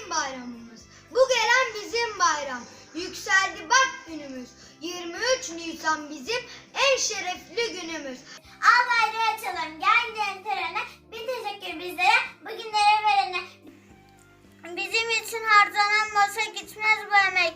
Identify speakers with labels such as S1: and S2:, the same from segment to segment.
S1: bizim bayramımız. Bu gelen bizim bayram. Yükseldi bak günümüz. 23 Nisan bizim en şerefli günümüz.
S2: Al bayrağı açalım. Gel gidelim törene. Bir teşekkür bizlere. Bugünlere verene. Bizim için harcanan boşa gitmez bu emek.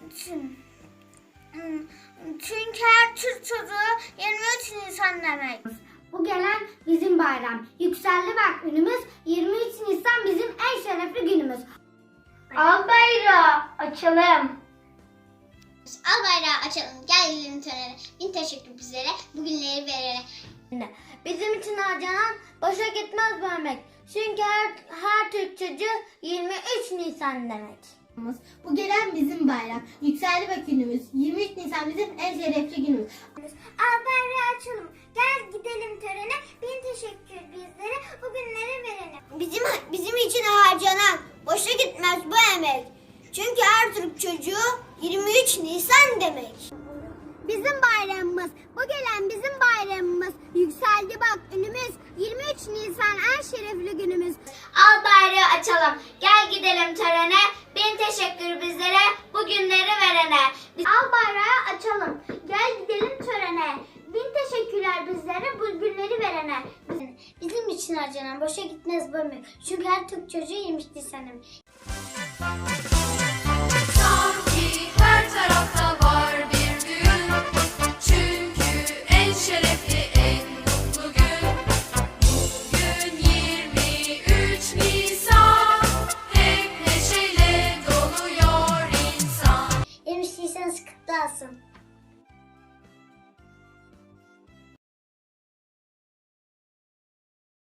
S2: Çünkü her Türk çocuğu 23 Nisan demek.
S3: Bu gelen bizim bayram. Yükseldi bak günümüz. 23 Nisan bizim en şerefli günümüz.
S2: Al bayrağı açalım. Al bayrağı açalım. Gel gidelim törene. Bir teşekkür bizlere. Bugünleri verene.
S3: Bizim için harcanan boşa gitmez bu emek. Çünkü her Türk çocuğu 23 Nisan demek.
S4: Bu gelen bizim bayram. Yükseldi bak günümüz. 23 Nisan bizim en şerefli günümüz.
S2: Al bayrağı açalım. Gel gidelim törene. Bin teşekkür bizlere. Bugünleri verene. Bizim için harcanan boşa gitmez bu emek. Çünkü her Türk çocuğu 23 Nisan demek. Bizim bayramımız. Bu gelen bizim bayramımız. Yükseldi bak önümüz. 23 Nisan en şerefli günümüz. Al bayrağı açalım. Gel gidelim törene. Bin teşekkür bizlere. Bugünleri verene. Al bayrağı açalım. Gel gidelim törene. Bin teşekkürler bizlere. Bugünleri verene. Bizim için harcanan boşa gitmez bu emek. Çünkü her Türk çocuğu 23 Nisan demek.
S5: Sanki her tarafta